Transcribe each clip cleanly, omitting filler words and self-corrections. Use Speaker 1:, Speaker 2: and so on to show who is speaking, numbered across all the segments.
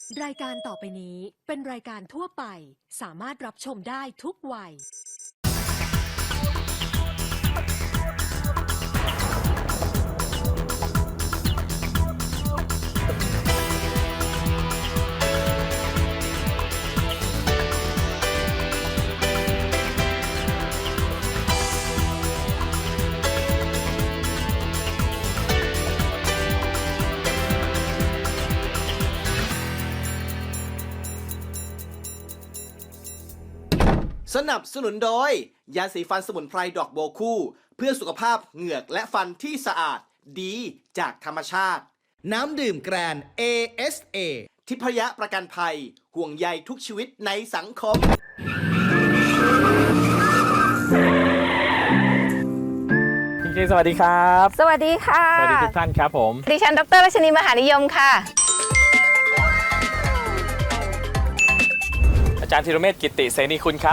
Speaker 1: รายการต่อไปนี้เป็นรายการทั่วไปสามารถรับชมได้ทุกวัย
Speaker 2: สนับสนุนโดยยาสีฟันสมุนไพรดอกโบวคู่เพื่อสุขภาพเหงือกและฟันที่สะอาดดีจากธรรมชาติน้ำดื่มแกรน ASA ทิพยประกันภัยห่วงใยทุกชีวิตในสังคม
Speaker 3: พี่เคสวัสดีครับ
Speaker 4: สวัสดีค่ะ
Speaker 3: สวัสดีทุกท่านครับผม
Speaker 4: ดิฉันดร.รัชนีมหานิยมค่ะ
Speaker 3: อาจารย์ธีรเมธกิตติเสนีคุณครับ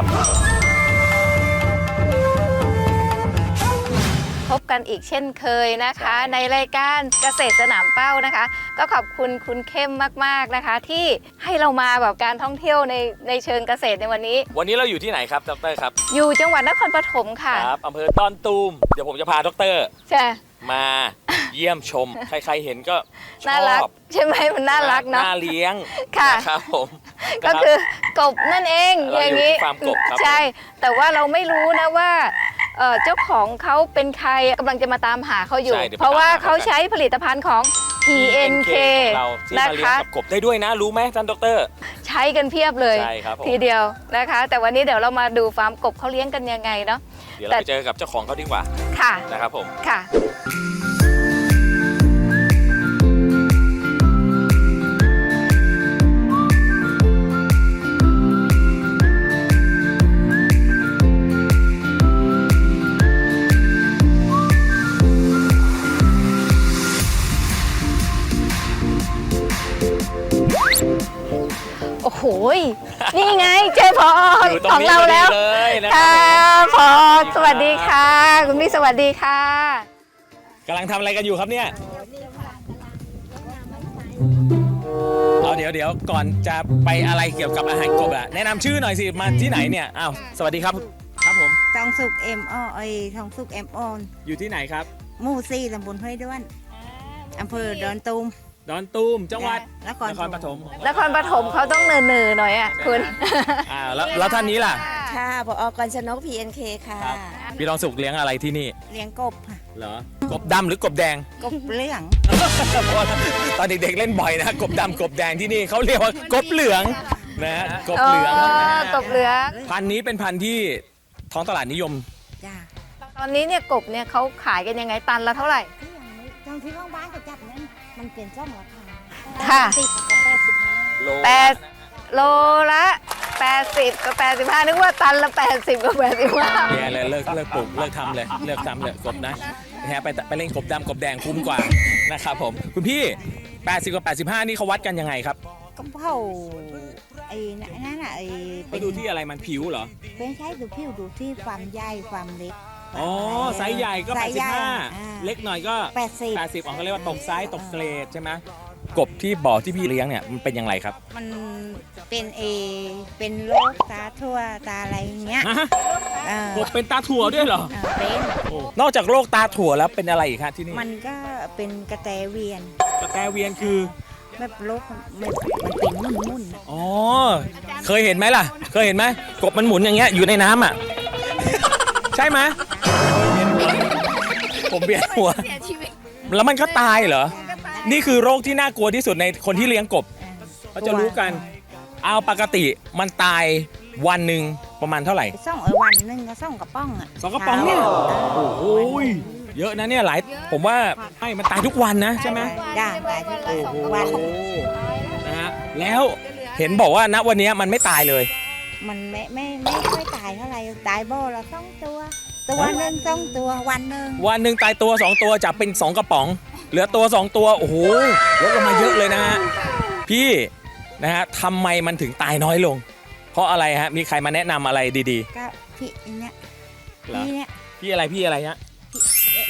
Speaker 4: พบกันอีกเช่นเคยนะคะในรายการเกษตรสนามเป้านะคะก็ขอบคุณคุณเข้มมากๆนะคะที่ให้เรามาแบบการท่องเที่ยวในเชิงเกษตรในวันนี้
Speaker 3: เราอยู่ที่ไหนครับดรครับ
Speaker 4: อยู่จังหวัดนครปฐมค่ะ
Speaker 3: ครับอำเภอต้อนตูมเดี๋ยวผมจะพาดร
Speaker 4: ใช่
Speaker 3: มาเยี่ยมชม ใครๆเห็นก็ช
Speaker 4: น่า
Speaker 3: อ
Speaker 4: รัก
Speaker 3: บ
Speaker 4: ใช่ไหมมันน่ารักเนาะ
Speaker 3: น่าเลี้ยง
Speaker 4: ค่ะ
Speaker 3: นะครับผม
Speaker 4: ก็คือกบนั่นเองอย่างนี้
Speaker 3: ฟาร์มกบครับ
Speaker 4: ใช่แต่ว่าเราไม่รู้นะว่าเจ้าของเขาเป็นใครกำลังจะมาตามหาเขาอยู่เพราะว่าเขาใช้ผลิตภัณฑ์ของ PNK
Speaker 3: เราที่
Speaker 4: นะ
Speaker 3: มาเลี้ยง
Speaker 4: คะ
Speaker 3: กับกบได้ด้วยนะรู้ไหมท่านดร
Speaker 4: ใช้กันเพียบเลย
Speaker 3: ใช่ครับผม
Speaker 4: ทีเดียวนะคะแต่วันนี้เดี๋ยวเรามาดูฟาร์มกบเขาเลี้ยงกันยังไงเนาะ
Speaker 3: เดี๋ยวเราไปเจอกับเจ้าของเขาดีกว่า
Speaker 4: ค่ะ
Speaker 3: นะครับผม
Speaker 4: ค่ะโอ้โหนี่ไงเจอพอของเราแล้วค่ะพอสวัสดีค่ะคุณพี่สวัสดีค่ะ
Speaker 3: กำลังทำอะไรกันอยู่ครับเนี่ยเดี๋ยวก่อนจะไปอะไรเกี่ยวกับอาหารกบอะแนะนำชื่อหน่อยสิมาที่ไหนเนี่ยอ้าวสวัสดีครับครับผม
Speaker 5: ทองสุกทองสุก
Speaker 3: อยู่ที่ไหนครับ
Speaker 5: หมู่ 4 ตำบลห้วยด้วนอำเภอดอนตูม
Speaker 3: ดอนตูมจังหวัด
Speaker 5: นคร
Speaker 3: ปฐม
Speaker 4: นครปฐมเขาต้องเนินๆหน่อยอ่ะคุณ
Speaker 3: แล้วท่านนี้ล่ะ
Speaker 5: ค่ะผอ.กรชนก PNK ค่ะ
Speaker 3: พี่ทองสุกเลี้ยงอะไรที่นี่
Speaker 5: เลี้ยงกบค่ะ
Speaker 3: เหรอกบดำหรือกบแดง
Speaker 5: กบเหลือง
Speaker 3: ตอนเด็กๆเล่นบ่อยนะกบดำกบแดงที่นี่เขาเรียกว่ากบเหลืองนะกบเหลือง
Speaker 4: กบเหลือง
Speaker 3: พันธุ์นี้เป็นพันธุ์ที่ท้องตลาดนิยม
Speaker 5: จ้า
Speaker 4: ตอนนี้เนี่ยกบเนี่ยเขาขายกันยังไงตันละเท่าไหร่
Speaker 5: ตอนที่ว่างบ้านก็จับนั้นมันเปลี่ยนช่องราคา
Speaker 4: ค่ะ
Speaker 5: 80
Speaker 4: โลละ80กับ85นึกว่าตันละ80กับ85
Speaker 3: เนี่ยเลยเลิกปลูกเลิกทำเลยกบนะไปเล่นกบดำกบแดงคุ้มกว่านะครับผมคุณพี่80กับ85นี่เขาวัดกันยังไงครับ
Speaker 5: ก็เผาไอ้นั่นน่ะ
Speaker 3: ไปดูที่อะไรมันผิวเหรอ
Speaker 5: เป็นใช้ดูผิวดูที่ความใหญ่ความเล็ก
Speaker 3: อ๋อไซส์ใหญ่ก็85เล็กหน่อยก็80เขาเรียกว่าตกไซส์ตกเกรดใช่ไหมกบที่บ่อที่พี่เลี้ยงเนี่ยมันเป็นยังไงครับ
Speaker 5: มันเป็นโรคตาทั่วตาอะไรอย่างเงี้ย
Speaker 3: กบเป็นตาถั่วด้วยเหรอ
Speaker 5: เป็น
Speaker 3: นอกจากโรคตาถั่วแล้วเป็นอะไรอีกครับที่นี่
Speaker 5: มันก็เป็นกระแตเวียน
Speaker 3: คือ
Speaker 5: แบบโรคมันเป็นมุ่น
Speaker 3: อ๋อเคยเห็นไหมล่ะเคยเห็นไหมกบมันหมุนอย่างเงี้ยอยู่ในน้ำอ่ะใช่ไหมผมเบียดหัวแล้วมันก็ตายเหรอนี่คือโรคที่น่ากลัวที่สุดในคนที่เลี้ยงกบเขาจะรู้กันเอาปกติมันตายวันหนึ่งประมาณเท่าไหร่
Speaker 5: วันหนึ่งก็2 กระป๋องอ่ะ
Speaker 3: 2 กระป๋องเนี่ยโอ้ยเยอะนะเนี่ยหลายผมว่าให้มันตายทุกวันนะใช่ไหม
Speaker 5: จ้าตายทุกวัน
Speaker 3: นะฮะแล้วเห็นบอกว่าณวันนี้มันไม่ตายเลย
Speaker 5: มันไม่ค่อยตายเท่าไหร่ตายบ่อละ2 ตัวหนึ่ง2 ตัววันหนึ่ง
Speaker 3: ตายตัว2 ตัวจากเป็น2 กระป๋องเหลือตัว2 ตัวโอ้โหลดลงมาเยอะเลยนะฮะพี่นะฮะทำไมมันถึงตายน้อยลงเพราะอะไรฮะมีใครมาแนะนำอะไรดี
Speaker 5: ๆก็พี่เนี่ย
Speaker 3: พี่อะไรฮะ
Speaker 5: พ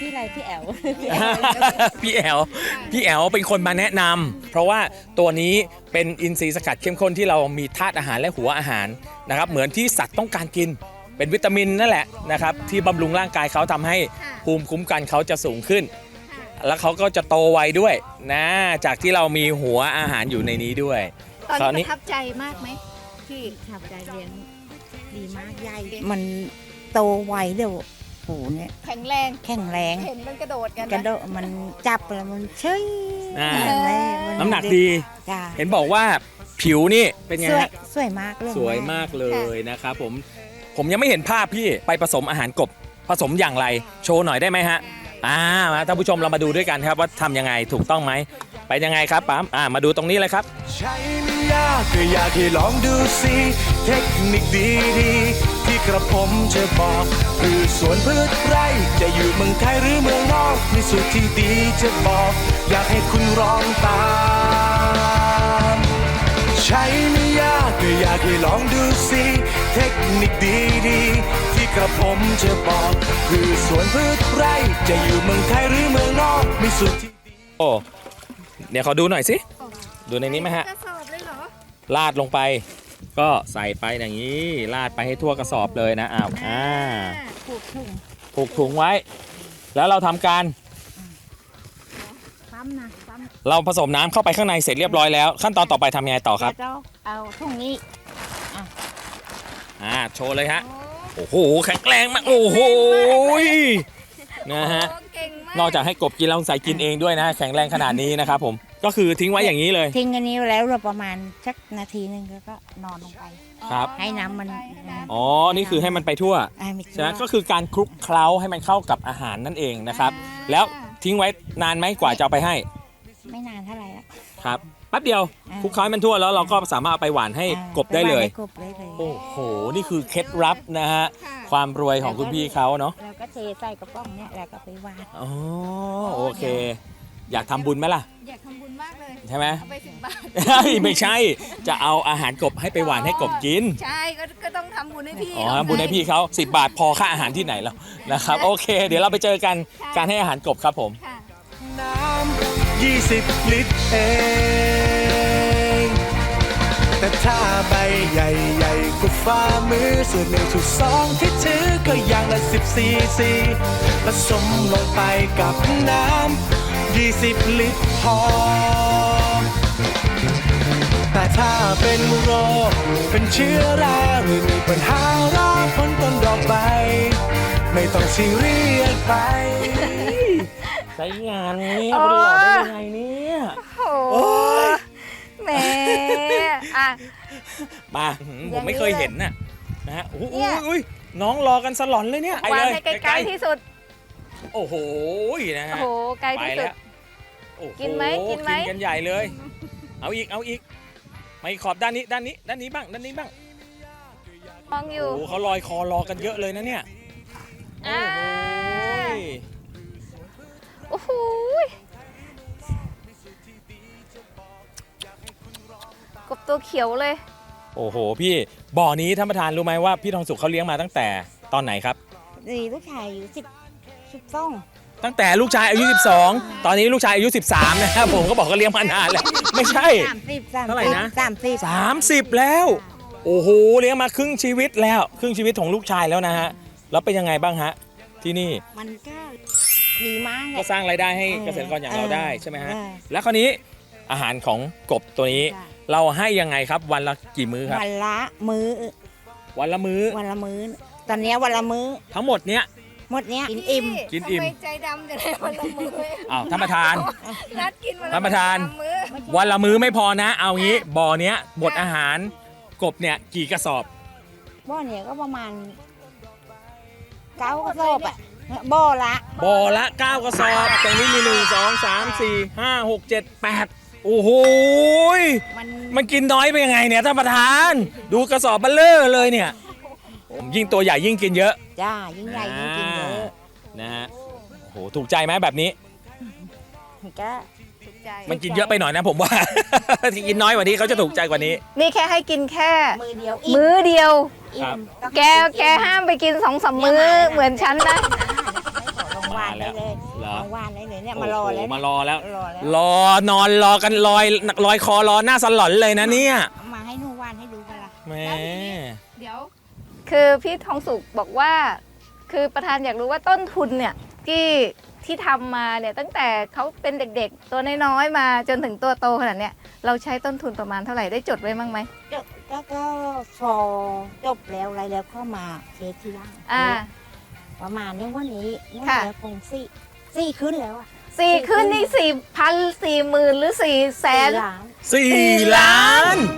Speaker 5: พี่อะไรพี่แอล
Speaker 3: พี่แอลเป็นคนมาแนะนำเพราะว่าตัวนี้เป็นอินทรีย์สกัดเข้มข้นที่เรามีธาตุอาหารและหัวอาหารนะครับเหมือนที่สัตว์ต้องการกินเป็นวิตามินนั่นแหละนะครับที่บำรุงร่างกายเขาทำให้ภูมิคุ้มกันเขาจะสูงขึ้น แล้วเขาก็จะโตไวด้วยนะจากที่เรามีหัวอาหารอยู่ในนี้ด้วย
Speaker 4: ตอนนี้ประทับใจมากไหมพี่
Speaker 5: ขับใจเลี้ยงดีมากใหญ่มันโตไวเดี๋ยวโหเนี่ย
Speaker 4: แข็งแรง
Speaker 5: แข็งแรง
Speaker 4: เห็นมันกระโดดกัน
Speaker 5: กระโดดมันจับแล้วมันเฉย
Speaker 3: อ่า
Speaker 5: มั
Speaker 3: น้ำหนักดี
Speaker 5: จ้า
Speaker 3: เห็นบอกว่าผิวนี่เป็นไง
Speaker 5: สวย
Speaker 3: ฮะ
Speaker 5: สวยมากเลย
Speaker 3: สวยมากเลยนะครับผมยังไม่เห็นภาพพี่ไปผสมอาหารกบผสมอย่างไรโชว์หน่อยได้ไหมฮะมาท่านผู้ชมเรามาดูด้วยกันครับว่าทำยังไงถูกต้องไหมไปยังไงครับปั๊มมาดูตรงนี้เลยครับ
Speaker 6: ใช้ไม่ยากก็อยากให้ลองดูสิเทคนิคดีๆที่กระผมจะบอกคือสวนพืชไร่จะอยู่เมืองไทยหรือเมืองนอกมีสูตรที่ดีจะบอก อยากให้คุณลองตามใช้ไม่ยากก็อยากให้ลองดูสิเทคนิคดีๆที่กระผมจะบอกคือสวนพืชไร่จะอยู่เมืองไทยหรือเมืองนอกมีสูตรที่
Speaker 3: โอ้เดี๋ยวขอดูหน่อยสิดูในนี้ไหมฮะ
Speaker 4: กระสอบเลยเหรอ
Speaker 3: ลาดลงไปก็ใส่ไปอย่างนี้ลาดไปให้ทั่วกระสอบเลยนะ
Speaker 5: ผูกถุง
Speaker 3: ผูกถุงไว้ แล้วเราทำการ
Speaker 5: ปั๊มนะปั๊ม
Speaker 3: เราผสมน้ำเข้าไปข้างในเสร็จเรียบร้อยแล้วขั้นตอนต่อไปทำยังไงต่อครับ
Speaker 5: แล้วเอาถุงนี้
Speaker 3: โชว์เลยฮะโอ้โหแข็งแรงมากโอ้โหนะฮะ
Speaker 4: เก่งมาก
Speaker 3: นอกจากให้กบกินแล้วใส่กินเองด้วยนะแข็งแรงขนาดนี้นะครับผมก็คือทิ้งไว้อย่างนี้เลย
Speaker 5: ทิ้งอันนี้แล้วเราประมาณสักนาทีนึงแล้วก็นอนลงไป
Speaker 3: ครับ
Speaker 5: ให้น้ำมัน
Speaker 3: อ๋อนี่คือให้มันไปทั่ว
Speaker 5: ไม่
Speaker 3: ใช่ไหมก็คือการคลุกเคล้าให้มันเข้ากับอาหารนั่นเองนะครับแล้วทิ้งไว้นานไหมกว่าจะเอาไปให้
Speaker 5: ไม่นานเท่าไหร่แล้ว
Speaker 3: ครับแป๊บเดียวคลุกเคล้าให้มันทั่วแล้วเราก็สามารถเอาไปหวานให้กบได้เลย
Speaker 5: ปหว่านให้กบได้เลย
Speaker 3: โอ้โหนี่คือเคล็ดลับนะฮะความรวยของคุณพี่เขาเนาะ
Speaker 5: แล้วก็เทใส่กระป๋องเนี่ยแล้วก็ไปวาง
Speaker 3: อ๋อโอเค อยากทำบุญไหมล่ะ
Speaker 4: อยากทำบุญมากเลย
Speaker 3: ใช่ไหม
Speaker 4: เอาไป10 บาท
Speaker 3: ไม่ใช่จะเอาอาหารกบให้ไปหวานให้กบกิน
Speaker 4: ใช่ก็ต้องทำบุญให้พี่
Speaker 3: อ๋อบุญให้พี่เขา10 บาทพอค่าอาหารที่ไหนแล้วนะครับโอเค เดี๋ยวเราไปเจอกันการให้อาหารกบครับผม
Speaker 4: ค่ะ
Speaker 6: น้ำ20 ลิตรเอง แต่ถ้าใบใหญ่ๆกว่าฝ่ามือส่วน1/2ที่ถือก็อย่างละ10 ซีซีผสมลงไปกับน้ำ20 ลิตรพอ แต่ถ้าเป็นโรคเป็นเชื้อราหรือมีปัญหาราผลต้นดอกใบ ไม่ต้องซีเรียสไป
Speaker 3: ใช้งานนี้เอาไปหลอกได้ยังไงเนี่ย
Speaker 4: โอ้แหมอ่ะ
Speaker 3: มาผมไม่เคยเห็นน่ะนะฮะ
Speaker 4: เนี่ย
Speaker 3: อุ้ยน้องรอกันสลอนเลยเนี่ย
Speaker 4: วาง
Speaker 3: เลย
Speaker 4: ให้ไกลๆที่สุด
Speaker 3: โอ้โหนะฮะ
Speaker 4: โอ้โหไกล
Speaker 3: ไป
Speaker 4: ที่สุด
Speaker 3: แล้วโอ้โ
Speaker 4: กินไหมกินไหม
Speaker 3: กินกันใหญ่เลย เอาอีกมาอีกขอบด้านนี้บ้างด้านนี้บ้าง
Speaker 4: มองอยู่
Speaker 3: โอ้เขาลอยคอรอกันเยอะเลยนะเนี่ยโอ้โห
Speaker 4: โอ้โหกบตัวเขียวเลย
Speaker 3: โอ้โหพี่บ่อนี้ท่านประธานรู้ไหมว่าพี่ทองสุขเขาเลี้ยงมาตั้งแต่ตอนไหนครับ
Speaker 5: ดีลูกชายอยู่10ซ่อง
Speaker 3: ตั้งแต่ลูกชายอายุ 12 ตอนนี้ลูกชายอายุ 13 นะครับผมก็บอกก็เลี้ยงมานานแล้ว ไม่ใช่
Speaker 5: 30
Speaker 3: เท่าไหร่นะ
Speaker 5: 30
Speaker 3: 30 แล้ว โอ้โหเลี้ยงมาครึ่งชีวิตแล้วครึ่งชีวิตของลูกชายแล้วนะฮะแล้วเป็นยังไงบ้างฮะที่นี่
Speaker 5: มันก็ดีมากเล
Speaker 3: ก็
Speaker 5: ย
Speaker 3: สร้างรายได้ให้เกษตรกรอย่างเราได้ใช่ไหมฮะ
Speaker 5: เออ
Speaker 3: แล้วคราวนี้อาหารของกบตัวนี้
Speaker 5: จ้ะ
Speaker 3: เราให้ยังไงครับวันละกี่มื้อครับ
Speaker 5: วันละมื้อ
Speaker 3: วันละมื้อ
Speaker 5: วันละมื้อ ตอนเนี้ยวันละมื้อ
Speaker 3: ทั้งหมดเนี้ย
Speaker 5: หมดเนี้ยกินอิ่ม
Speaker 3: กินอิ่ม
Speaker 4: ทำไมใจดำจะได้วันละมื้อ
Speaker 3: อ้าวท่านประธาน
Speaker 4: นัดกินวันละ
Speaker 3: ท่านประธาน
Speaker 4: มื้อ
Speaker 3: วันละมื้อไม่พอนะ เอางี้บ่อเนี้ยหมดอาหารกบเนี่ยกี่กระสอบ
Speaker 5: บ่อเนี้ยก็ประมาณ9กระสอบอ่ะบ่อละ
Speaker 3: บ่อละ 9 กระสอบ ตรงนี้มี 1 2 3 4 5 6 7 8 โอ้โหย
Speaker 5: มัน
Speaker 3: มันกินน้อยไปยังไงเนี่ยท่านประธาน ดูกระสอบเบลเลอร์เลยเนี่ยยิ่งตัวใหญ่ยิ่งกินเยอะ
Speaker 5: จ้ายิ่งใหญ่ยิ่งกินเยอะ
Speaker 3: นะฮะโอ้โหถูกใจไหมแบบนี้
Speaker 5: มันก็
Speaker 4: ถูกใจ
Speaker 3: มันกินเยอะไปหน่อยนะผมว่า ที่กินน้อยกว่านี้เขาจะถูกใจกว่านี้
Speaker 4: นี่แค่ให้กินแค่
Speaker 5: มือเดียว
Speaker 4: มื้อเดียว
Speaker 5: อิ่ม
Speaker 4: แกห้ามไปกิน2-3 มื้อเหมือนฉันนะ
Speaker 3: อ
Speaker 5: หวานได้เลย
Speaker 3: เหรอ
Speaker 5: หวานได้เลยเนี่ย
Speaker 3: โอ้
Speaker 5: มารอ
Speaker 3: โห
Speaker 5: แล้ว
Speaker 3: มารอแล้ว
Speaker 5: รอแล้ว
Speaker 3: รอนอนรอกันลอยคอรอหน้าสลอนเลยนะเนี่ย
Speaker 5: เอามาให้หนูหวานให้ดูกันละ
Speaker 3: แหม่
Speaker 4: เดี๋ยว คือพี่ทองสุขบอกว่า คือประธานอยากรู้ว่าต้นทุนเนี่ยที่ทำมาเนี่ยตั้งแต่เขาเป็นเด็กๆ ตัวน้อยๆมาจนถึงตัวโตขนาดเนี้ยเราใช้ต้นทุนประมาณเท่าไหร่ได้จดไว้บ้างไหม
Speaker 5: ก็พอจบแล้วอะไรแล้วก็มาเช็คทีหล่าง
Speaker 4: อ่า
Speaker 5: ประมาณนี้วันนี้นี่
Speaker 4: ค่ะ
Speaker 5: แล้วคงสี่ขึ้นแล้วอ่ะ
Speaker 4: สี่ขึ้นนี่4,000 40,000 หรือ400,000
Speaker 5: ล้าน
Speaker 3: 4 ล้าน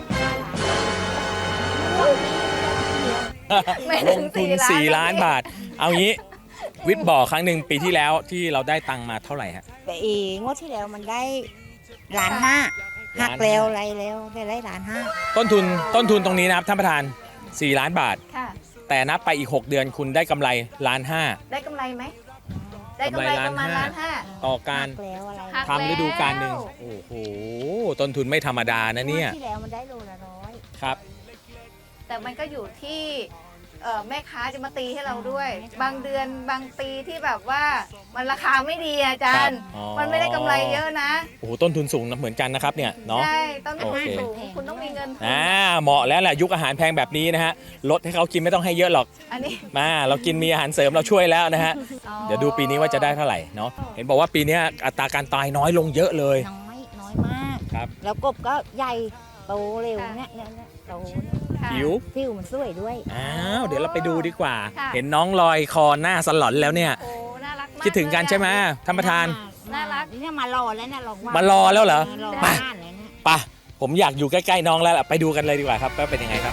Speaker 4: ไม่
Speaker 3: ล
Speaker 4: ถึ
Speaker 3: ง
Speaker 4: ง
Speaker 3: ทุน 4 ล้านบาท เอางี้ วิทย์บ่อครั้งหนึ่งปีที่แล้วที่เราได้ตังค์มาเท่าไหร่ฮะ
Speaker 5: แต่งวดที่แล้วมันได้1.5 ล้านหักแล้วอะไรแล้วได้1.5 ล้าน
Speaker 3: ต้นทุนตรงนี้นะครับท่านประธาน 4 ล้านบาท
Speaker 4: ค่ะ
Speaker 3: แต่นับไปอีก 6 เดือนคุณได้กำไร1.5 ล้าน
Speaker 4: ได้กำไรไหม ได้กำไรประมาณ
Speaker 3: กำไร
Speaker 4: ล้านห้า
Speaker 3: ต่อการ
Speaker 5: หักแล้วอะไร
Speaker 4: หัก
Speaker 3: ทำฤดูกาลหนึ่งโอ้โห ต้นทุนไม่ธรรมดานะเนี่ย
Speaker 5: งวดที่แล้วมันได้โลละ100
Speaker 3: ครับ
Speaker 4: แต่มันก็อยู่ที่แม่ค้าจะมาตีให้เราด้วย บางเดือนบางปีที่แบบว่ามันราคาไม่ดีอาจารย์
Speaker 3: ครับอ๋อ
Speaker 4: มันไม่ได้กำไรเยอะนะ
Speaker 3: โอ้โหต้นทุนสูงนะเหมือนกันนะครับเนี่ยเนาะ
Speaker 4: ใช่ต้นทุน
Speaker 3: โอเค
Speaker 4: สูงคุณต้องมีเงินทุน
Speaker 3: เหมาะแล้วแหละยุคอาหารแพงแบบนี้นะฮะลดให้เขากินไม่ต้องให้เยอะหรอก
Speaker 4: อันนี้
Speaker 3: มาเรากินมีอาหารเสริมเราช่วยแล้วนะฮะ
Speaker 4: อ๋อ
Speaker 3: เดี๋ยวดูปีนี้ว่าจะได้เท่าไหร่เนาะเห็นบอกว่าปีนี้อัตราการตายน้อยลงเยอะเลย
Speaker 5: น้อยมาก
Speaker 3: ครับ
Speaker 5: แล้วกบก็ใหญ่โตเร็วเนี่ยโตเนี่ย
Speaker 4: ค่ะ
Speaker 3: ผิว
Speaker 5: ผิวมันสวยด้วย
Speaker 3: อ้าวเดี๋ยวเราไปดูดีกว่า
Speaker 4: ค่ะ
Speaker 3: เห็นน้องลอยคอหน้าสลอนแล้วเนี่ย
Speaker 4: โอ้น่ารักมาก
Speaker 3: คิดถึงกันใช่ไหมท่านประธาน
Speaker 4: น่ารัก
Speaker 5: เนี่ยมารอแล้วเนี่ยรอว่
Speaker 3: มารอแล้วเหรอ
Speaker 5: รอ
Speaker 3: ไป
Speaker 5: บ้านเลยเนี่ย
Speaker 3: ไปะผมอยากอยู่ใกล้ๆน้องแล้วล่ะไปดูกันเลยดีกว่าครับว่าเป็นยังไงครับ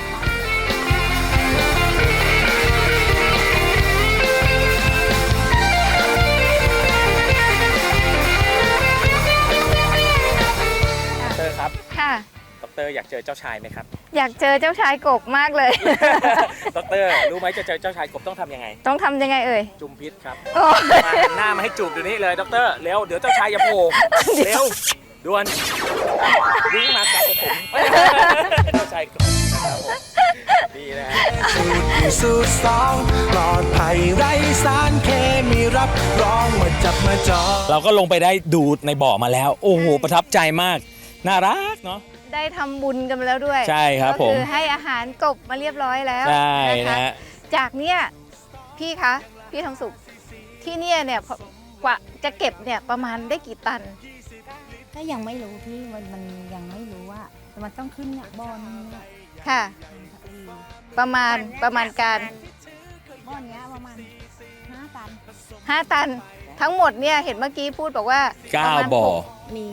Speaker 3: ดรครับ
Speaker 4: ค่ะ
Speaker 3: ดรอยากเจอเจ้าชายไหมครับ
Speaker 4: อยากเจอเจ้าชายกบมากเลย
Speaker 3: ดรรู้ไหมจะเจอเจ้าชายกบต้องทำยังไง
Speaker 4: ต้องทำยังไงเอ่ย
Speaker 3: จุ่มพิษครับ
Speaker 4: โอ้
Speaker 3: มาหันหน้ามาให้จูบเดี๋ยวนี้เลยดรเร็วเดี๋ยวเจ้าชายอย่าโผล่เร็วด่วนวิ่งมากับผมเจ้าชายกบนะครับผมนี่นะฮะ
Speaker 6: สูตรหนึ่งสูตรสองปลอดภัยไร้สารเคมีรับรองมาจับมาจอง
Speaker 3: เราก็ลงไปได้ดูในบ่อมาแล้ว โอ้โหประทับใจมากน่ารักเนาะ
Speaker 4: ได้ทำบุญกันไปแล้วด้วย
Speaker 3: ใช่ครับผม
Speaker 4: ก็คือให้อาหารกบมาเรียบร้อยแล้ว
Speaker 3: ใช่
Speaker 4: นะคะ
Speaker 3: นะฮะ
Speaker 4: จากเนี้ยพี่คะพี่ทองสุขที่เนี่ยกว่าจะเก็บเนี่ยประมาณได้กี่ตัน
Speaker 5: ก็ยังไม่รู้ที่มันยังไม่รู้ว่าแต่มันต้องขึ้นเนี่ยบอลเนี่ย
Speaker 4: ค่ะ ประมาณการ
Speaker 5: บอลเนี้ยประมาณ5 ตัน
Speaker 4: 5 ตัน ทั้งหมดเนี่ยเห็นเมื่อกี้พูดบอกว่าประมาณ
Speaker 3: 9 บ่อ
Speaker 5: มี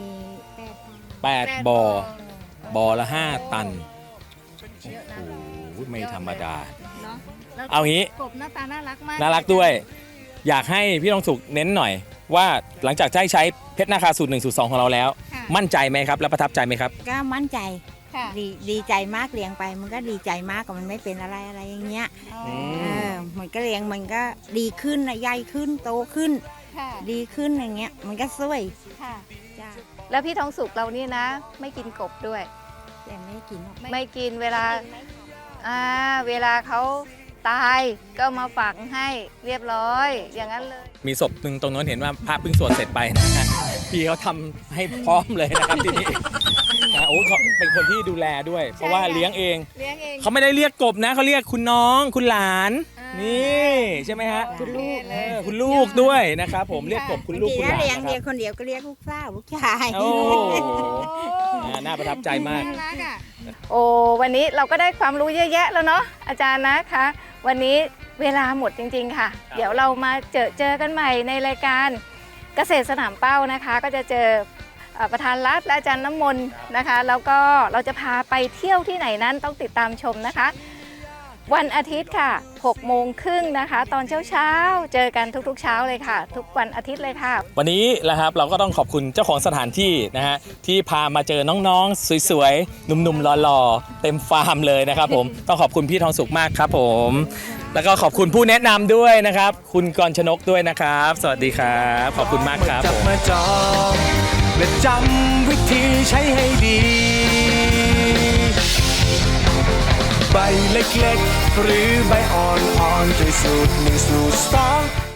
Speaker 5: 8 ตัน
Speaker 3: 8 บ่อ บ่อละ 5 ตัน โอ้โหไม่ธรรมดา
Speaker 4: เนาะแล้ว
Speaker 3: เอางี้
Speaker 4: กบหน้าตาน่ารักมาก
Speaker 3: น่ารักด้วย อยากให้พี่ทองสุขเน้นหน่อย ว่าหลังจากได้ใช้เพชรนาคาสูตร1สูตร2ของเราแล้ว
Speaker 4: ค่ะ
Speaker 3: มั่นใจไหมครับ และประทับใจไหมครับ
Speaker 5: ก็มั่นใจ
Speaker 4: ค่ะ
Speaker 5: ดีใจมากเลี้ยงไป มันก็ดีใจมากกับมันไม่เป็นอะไรอย่างเงี้ย
Speaker 3: อืม
Speaker 5: มันก็เลี้ยงมันก็ดีขึ้นนะใหญ่ขึ้นโตขึ้น
Speaker 4: ค่ะ
Speaker 5: ดีขึ้นอย่างเงี้ย มันก็สวย
Speaker 4: ค่ะ
Speaker 5: จ้า
Speaker 4: แล้วพี่ทองสุกเรานี่นะ ไม่กินกบด้วย
Speaker 5: แต่ไม่กินหรอก
Speaker 4: ไม่กินเวลาเวลาเขาตายก็มาฝังให้เรียบร้อย อย่างนั้นเลย
Speaker 3: มีศพหนึ่งตรงนั้นเห็นว่าพระเพิ่งสวดเสร็จไปนะฮะพี่เขาทำให้พร้อมเลยนะครับที่นี่นะโอ้เขาเป็นคนที่ดูแลด้วย เพราะว่าเลี้ยงเอง
Speaker 4: เลี้ยงเอง
Speaker 3: เขาไม่ได้เรียกกบนะเขาเรียกคุณน้องคุณหลาน
Speaker 4: อ่านี่
Speaker 3: นี่ใช่ไหมฮะ
Speaker 5: คุณลูก
Speaker 3: คุณลูกด้วยนะครับผมเรียกกบคุณลูก
Speaker 5: บาง
Speaker 3: คุณ
Speaker 5: ที
Speaker 3: หลาน
Speaker 5: ถ้าเลี้ยง
Speaker 3: นะ
Speaker 5: เลี้ยง
Speaker 3: ครับ
Speaker 5: คนเดียวก็เรียกลูกสาวลูกชาย
Speaker 3: โอ้
Speaker 4: โอ้
Speaker 3: น่าประทับใจมาก
Speaker 4: น่ารักอ่ะโอ้วันนี้เราก็ได้ความรู้เยอะแยะแล้วเนาะอาจารย์นะคะ วันนี้เวลาหมดจริงๆค่ะ
Speaker 3: ครับ
Speaker 4: เดี๋ยวเรามาเจอกันใหม่ในรายการเกษตรสนามเป้านะคะ ก็จะเจอประธานรัฐและอาจารย์น้ำมนต์นะคะ แล้วก็เราจะพาไปเที่ยวที่ไหนนั้นต้องติดตามชมนะคะ วันอาทิตย์ค่ะ6:30 น.นะคะ ตอนเช้าๆเจอกันทุกๆเช้าเลยค่ะ ทุกวันอาทิตย์เลยค่ะ
Speaker 3: วันนี้นะครับเราก็ต้องขอบคุณเจ้าของสถานที่นะฮะที่พามาเจอน้องๆสวยๆหนุ่มๆหล่อๆเต็มฟาร์มเลยนะครับผมต้องขอบคุณพี่ทองสุขมากครับผมแล้วก็ขอบคุณผู้แนะนำด้วยนะครับ คุณกรชนกด้วยนะครับ สวัสดีครับ ขอบคุณมากครับ
Speaker 6: จั
Speaker 3: ผ
Speaker 6: บ
Speaker 3: ม
Speaker 6: มาจองและจำวิธีใช้ให้ดี ใบเล็กๆ หรือใบอ่อนๆด้วยสูตร1สูตร2